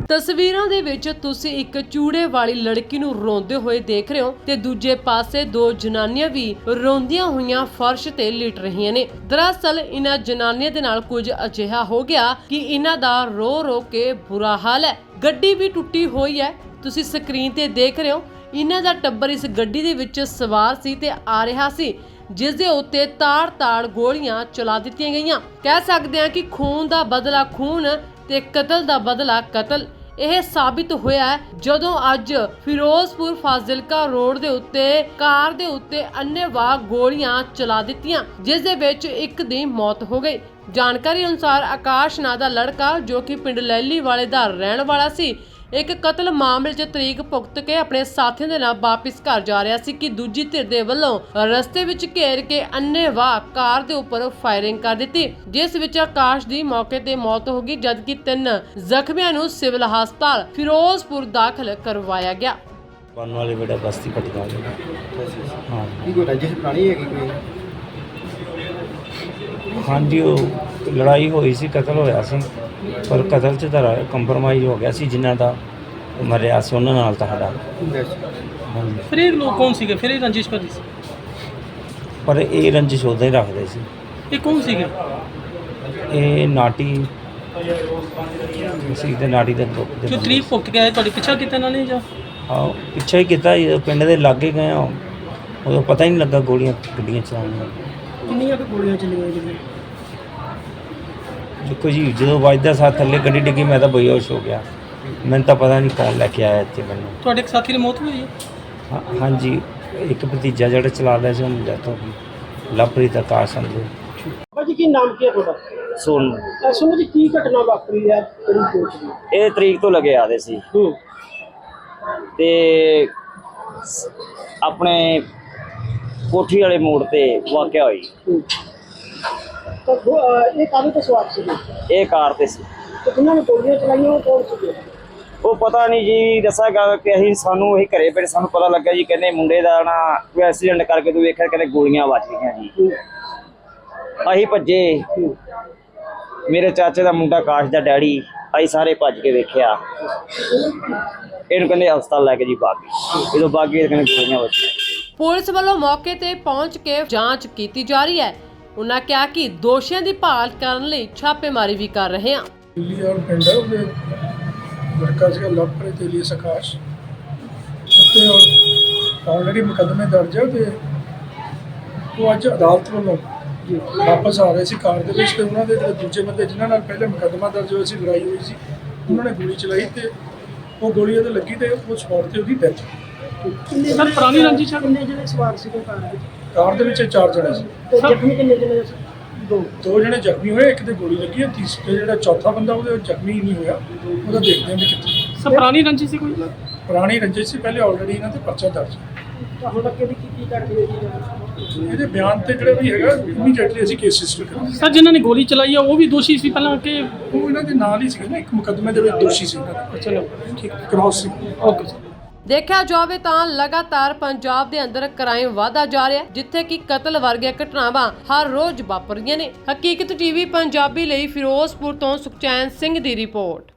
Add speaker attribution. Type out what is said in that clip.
Speaker 1: ਤਸਵੀਰਾਂ ਦੇ ਵਿੱਚ ਤੁਸੀਂ ਇੱਕ ਚੂੜੇ ਵਾਲੀ ਲੜਕੀ ਨੂੰ ਰੋਂਦੇ ਹੋਏ ਦੇਖ ਰਹੇ ਹੋ ਤੇ ਦੂਜੇ ਪਾਸੇ ਦੋ ਜਨਾਨੀਆਂ ਵੀ ਰੋਂਦੀਆਂ ਹੋਈਆਂ ਫਰਸ਼ ਤੇ ਲਿਟ ਰਹੀਆਂ ਨੇ। ਦਰਅਸਲ ਇਹਨਾਂ ਜਨਾਨੀਆਂ ਦੇ ਨਾਲ ਕੁਝ ਅਜਿਹਾ ਹੋ ਗਿਆ ਕਿ ਇਹਨਾਂ ਦਾ ਰੋ ਰੋ ਕੇ ਬੁਰਾ ਹਾਲ ਹੈ। ਗੱਡੀ ਵੀ ਟੁੱਟੀ ਹੋਈ ਹੈ, ਤੁਸੀਂ ਸਕਰੀਨ ਤੇ ਦੇਖ ਰਹੇ ਹੋ। ਇਹਨਾਂ ਦਾ ਟੱਬਰ ਇਸ ਗੱਡੀ ਦੇ ਵਿੱਚ ਸਵਾਰ ਸੀ ਤੇ ਆ ਰਿਹਾ ਸੀ, ਜਿਸ ਦੇ ਉੱਤੇ ਤਾੜ-ਤਾੜ ਗੋਲੀਆਂ ਚਲਾ ਦਿੱਤੀਆਂ ਗਈਆਂ। ਕਹਿ ਸਕਦੇ ਹਾਂ ਕਿ ਖੂਨ ਦਾ ਬਦਲਾ ਖੂਨ ਤੇ ਕਤਲ ਦਾ ਬਦਲਾ ਕਤਲ। ਇਹ ਸਾਬਿਤ ਹੋਇਆ ਜਦੋਂ ਅੱਜ ਫਿਰੋਜ਼ਪੁਰ ਫਾਜ਼ਿਲਕਾ ਰੋਡ ਦੇ ਉੱਤੇ ਕਾਰ ਦੇ ਉੱਤੇ ਅੰਨ੍ਹੇਵਾਹ ਗੋਲੀਆਂ ਚਲਾ ਦਿੱਤੀਆਂ, ਜਿਸ ਦੇ ਵਿੱਚ ਇੱਕ ਦੀ ਮੌਤ ਹੋ ਗਈ। ਜਾਣਕਾਰੀ ਅਨੁਸਾਰ ਆਕਾਸ਼ ਨਾਂ ਦਾ ਲੜਕਾ ਜੋ ਕਿ ਪਿੰਡ ਲੈਲੀ ਵਾਲੇ ਦਾ ਰਹਿਣ ਵਾਲਾ ਸੀ, ਇੱਕ ਕਤਲ ਮਾਮਲੇ 'ਚ ਤਰੀਕ ਭੁਗਤ ਕੇ ਆਪਣੇ ਸਾਥੀਆਂ ਦੇ ਨਾਲ ਵਾਪਿਸ ਘਰ ਜਾ ਰਿਹਾ ਸੀ ਕਿ ਦੂਜੀ ਧਿਰ ਦੇ ਵੱਲੋਂ ਰਸਤੇ ਵਿੱਚ ਘੇਰ ਕੇ ਅੰਨ੍ਹੇਵਾਹ ਕਾਰ ਦੇ ਉੱਪਰ ਫਾਇਰਿੰਗ ਕਰ ਦਿੱਤੀ, ਜਿਸ ਵਿੱਚ ਆਕਾਸ਼ ਦੀ ਮੌਕੇ ਤੇ ਮੌਤ ਹੋ ਗਈ, ਜਦਕਿ 3 ਜ਼ਖਮੀਆਂ ਨੂੰ ਸਿਵਲ ਹਸਪਤਾਲ ਫਿਰੋਜ਼ਪੁਰ ਦਾਖਲ ਕਰਵਾਇਆ ਗਿਆ।
Speaker 2: ਬਨ ਵਾਲੇ ਬੇੜਾ ਬਸਤੀ ਪਟਿਆਲਾ ਹਾਂ
Speaker 3: ਕੀ ਕੋਈ ਰੰਜਿਸ਼ ਪੁਰਾਣੀ ਹੈਗੀ ਕੋਈ?
Speaker 2: ਹਾਂਜੀ, ਉਹ ਲੜਾਈ ਹੋਈ ਸੀ, ਕਤਲ ਹੋਇਆ ਸੀ, ਪਰ ਕਤਲ 'ਚ ਤਾਂ ਕੰਪਰਮਾਈਜ਼ ਹੋ ਗਿਆ ਸੀ। ਜਿਨ੍ਹਾਂ ਦਾ ਮਰਿਆ ਸੀ ਉਹਨਾਂ ਨਾਲ ਤਾਂ ਸਾਡਾ ਹਾਂਜੀ।
Speaker 4: ਫਿਰ ਇਹ ਲੋਕ ਕੌਣ ਸੀਗੇ? ਫਿਰ ਇਹ ਰੰਜਿਸ਼ ਕਰੀ ਸੀ?
Speaker 2: ਪਰ ਇਹ ਰੰਜਿਸ਼ ਉਦਾਂ ਹੀ ਰੱਖਦੇ ਸੀ।
Speaker 4: ਇਹ ਕੌਣ ਸੀਗੇ?
Speaker 2: ਇਹ ਨਾਟੀ ਸੀ ਤੇ ਨਾਟੀ ਦੇ
Speaker 4: ਜੋ ਤਰੀਕ ਭੁਗਤ ਕੇ ਆਏ, ਤੁਹਾਡੇ ਪਿੱਛਾ ਕੀਤਾ ਇਹਨਾਂ ਨੇ ਜਾਂ?
Speaker 2: ਹਾਂ, ਪਿੱਛੇ ਹੀ ਕੀਤਾ। ਜਦੋਂ ਪਿੰਡ ਦੇ ਲਾਗੇ ਗਏ ਆ ਉਦੋਂ ਪਤਾ ਹੀ ਨਹੀਂ ਲੱਗਾ ਗੋਲੀਆਂ ਗੱਡੀਆਂ ਚਲਾਉਣੀਆਂ।
Speaker 4: ਕਿੰਨੀਆਂ ਕੁ ਗੋਲੀਆਂ ਚੱਲੀਆਂ ਜੀ?
Speaker 2: ਦੇਖੋ ਜੀ, ਜਦੋਂ ਵੱਜਦਾ ਸਾਥ ਥੱਲੇ ਗੱਡੀ ਡਿੱਗੀ, ਮੈਂ ਤਾਂ ਬੇਹੋਸ਼ ਹੋ ਗਿਆ। ਮੈਨੂੰ ਤਾਂ ਪਤਾ ਨਹੀਂ ਕੌਣ ਲੈ ਕੇ ਆਇਆ ਇੱਥੇ ਮੈਨੂੰ।
Speaker 4: ਤੁਹਾਡੇ ਇੱਕ ਸਾਥੀ ਦੀ ਮੌਤ ਹੋਈ ਹੈ?
Speaker 2: ਹਾਂਜੀ, ਇੱਕ ਭਤੀਜਾ ਜਿਹੜਾ ਚਲਾ ਰਿਹਾ ਸੀ ਉਹਨੂੰ ਡੈਥ ਹੋ ਗਈ। ਲਵਪ੍ਰੀਤ ਆਕਾਸ਼ ਸੰਧੂ।
Speaker 4: ਭਾਜੀ ਕੀ ਨਾਮ ਕੀ ਹੈ ਤੁਹਾਡਾ?
Speaker 5: ਸੋਨੂੰ
Speaker 4: ਸੁਣੋ ਜੀ, ਕੀ ਘਟਨਾ ਵਾਪਰੀ ਹੈ ਕਿਹੜੀ ਕੋਚ ਦੀ?
Speaker 5: ਇਹ ਤਰੀਕ ਤੋਂ ਲੱਗੇ ਆਦੇ ਸੀ ਤੇ ਆਪਣੇ ਕੋਠੀ ਵਾਲੇ ਮੋੜ ਤੇ ਵਾਕਿਆ ਹੋਈ।
Speaker 4: ਇਹ ਕਾਹਦੇ ਤੇ ਸਵਾਰ ਸੀਗੇ?
Speaker 5: ਇਹ ਕਾਰ ਤੇ ਸੀ।
Speaker 4: ਤੇ ਜਿਨ੍ਹਾਂ ਨੇ ਗੋਲੀਆਂ ਚਲਾਈਆਂ ਉਹ ਕੌਣ ਸੀਗੇ?
Speaker 5: ਉਹ ਪਤਾ ਨਹੀਂ ਜੀ, ਦੱਸਾਂਗਾ ਕਿ ਅਸੀਂ ਸਾਨੂੰ ਇਹ ਘਰੇ ਫਿਰ ਸਾਨੂੰ ਪਤਾ ਲੱਗਾ ਜੀ, ਕਹਿੰਦੇ ਮੁੰਡੇ ਦਾ ਨਾ ਕੋਈ ਐਕਸੀਡੈਂਟ ਕਰਕੇ ਤੂੰ ਵੇਖਿਆ, ਕਹਿੰਦੇ ਗੋਲੀਆਂ ਵੱਜ ਗਈਆਂ ਜੀ। ਅਸੀਂ ਭੱਜੇ, ਮੇਰੇ ਚਾਚੇ ਦਾ ਮੁੰਡਾ ਆਕਾਸ਼ ਦਾ ਡੈਡੀ, ਅਸੀਂ ਸਾਰੇ ਭੱਜ ਕੇ ਵੇਖਿਆ। ਇਹਨੂੰ ਕਹਿੰਦੇ ਹਸਪਤਾਲ ਲੈ ਕੇ ਜੀ ਬਾਗੀ। ਜਦੋਂ ਬਾਗੀ ਕਹਿੰਦੇ ਗੋਲੀਆਂ ਵੱਜੀਆਂ।
Speaker 1: ਪੁਲਿਸ ਵੱਲੋਂ ਮੌਕੇ ਤੇ ਪਹੁੰਚ ਕੇ ਜਾਂਚ ਕੀਤੀ ਜਾ ਰਹੀ ਹੈ। ਉਹਨਾਂ ਕਿਹਾ ਕਿ ਦੋਸ਼ੀਆਂ ਦੀ ਭਾਲ ਕਰਨ ਲਈ ਛਾਪੇਮਾਰੀ ਵੀ ਕਰ ਰਹੇ ਹਾਂ।
Speaker 6: ਦਿੱਲੀ ਔਰ ਪਿੰਡ ਉਹਦੇ ਲੜਕਾ ਸੀਗਾ ਲਵਪ੍ਰੀਤ ਏਲੀਅਸ ਆਕਾਸ਼, ਉੱਤੇ ਆਲਰੇਡੀ ਮੁਕੱਦਮੇ ਦਰਜ ਹੈ ਤੇ ਉਹ ਅੱਜ ਅਦਾਲਤ ਵੱਲੋਂ ਵਾਪਸ ਆ ਰਹੇ ਸੀ ਕਾਰ ਦੇ ਵਿੱਚ ਤੇ ਉਹਨਾਂ ਦੇ ਦੂਜੇ ਬੰਦੇ ਜਿਨ੍ਹਾਂ ਨਾਲ ਪਹਿਲੇ ਮੁਕੱਦਮਾ ਦਰਜ ਹੋਇਆ ਸੀ, ਲੜਾਈ ਹੋਈ ਸੀ, ਉਹਨਾਂ ਨੇ ਗੋਲੀ ਚਲਾਈ ਤੇ ਉਹ ਗੋਲੀ ਉਹਦੇ ਲੱਗੀ ਤੇ ਉਹ ਸਪੌਟ ਤੇ ਉਹਦੀ ਡੈਥ।
Speaker 4: ਸਰ ਪੁਰਾਣੀ ਰੰਜਿਸ਼ ਹੈ? ਕਿੰਨੇ ਜਣੇ ਸਵਾਰ ਸੀਗੇ ਕਾਰ ਵਿੱਚ?
Speaker 6: ਕਾਰ ਦੇ ਵਿੱਚ 4 ਜਣੇ ਸੀ।
Speaker 4: ਤੇ ਜ਼ਖਮੀ ਕਿੰਨੇ ਜਣੇ?
Speaker 6: ਦੋ ਜਣੇ ਜ਼ਖਮੀ ਹੋਏ, ਇੱਕ ਦੇ ਗੋਲੀ ਲੱਗੀ ਹੈ, ਤੀਸਰੇ ਜਿਹੜਾ ਚੌਥਾ ਬੰਦਾ ਉਹਦੇ ਜ਼ਖਮੀ ਨਹੀਂ ਹੋਇਆ, ਉਹਦਾ ਦੇਖਦੇ ਹਾਂ ਵੀ ਕਿੱਥੇ।
Speaker 4: ਸਰ ਪੁਰਾਣੀ ਰੰਜਿਸ਼ ਸੀ ਕੋਈ?
Speaker 6: ਪੁਰਾਣੀ ਰੰਜਿਸ਼ ਸੀ, ਪਹਿਲੇ ਆਲਰੇਡੀ ਇਹਨਾਂ ਤੇ ਪਰਚਾ ਦਰਜ ਹੈ।
Speaker 4: ਤਾਂ ਹੁਣ ਅੱਗੇ ਦੀ ਕੀ ਕਰਦੇ ਹੋ?
Speaker 6: ਇਹਦੇ ਬਿਆਨ ਤੇ ਜਿਹੜਾ ਵੀ ਹੈਗਾ ਇਮੀਡੀਏਟਲੀ ਅਸੀਂ ਕੇਸ ਰਜਿਸਟਰ ਕਰਾਂਗੇ।
Speaker 4: ਸਰ ਜਿਨ੍ਹਾਂ ਨੇ ਗੋਲੀ ਚਲਾਈ ਆ ਉਹ ਵੀ ਦੋਸ਼ੀ ਸੀ ਪਹਿਲਾਂ ਕਿ?
Speaker 6: ਉਹ ਇਹਨਾਂ ਦੇ ਨਾਲ ਹੀ ਸੀਗੇ ਨਾ, ਇੱਕ ਮੁਕੱਦਮੇ ਦੇ ਵਿੱਚ ਦੋਸ਼ੀ ਸੀ ਇਹਨਾਂ ਦਾ।
Speaker 4: ਚਲੋ ਠੀਕ,
Speaker 6: ਕ੍ਰਾਸ ਸੀ।
Speaker 4: Okay sir.
Speaker 1: ਦੇਖਿਆ ਜਾਵੇ ਤਾਂ ਲਗਾਤਾਰ ਪੰਜਾਬ ਦੇ ਅੰਦਰ ਕ੍ਰਾਈਮ ਵਧਦਾ ਜਾ ਰਿਹਾ ਹੈ, ਜਿੱਥੇ ਕਿ ਕਤਲ ਵਰਗੀਆਂ ਘਟਨਾਵਾਂ ਹਰ ਰੋਜ਼ ਵਾਪਰ ਰਹੀਆਂ ਨੇ। ਹਕੀਕਤ ਟੀਵੀ ਪੰਜਾਬੀ ਲਈ ਫਿਰੋਜ਼ਪੁਰ ਤੋਂ ਸੁਖਚੈਨ ਸਿੰਘ ਦੀ ਰਿਪੋਰਟ।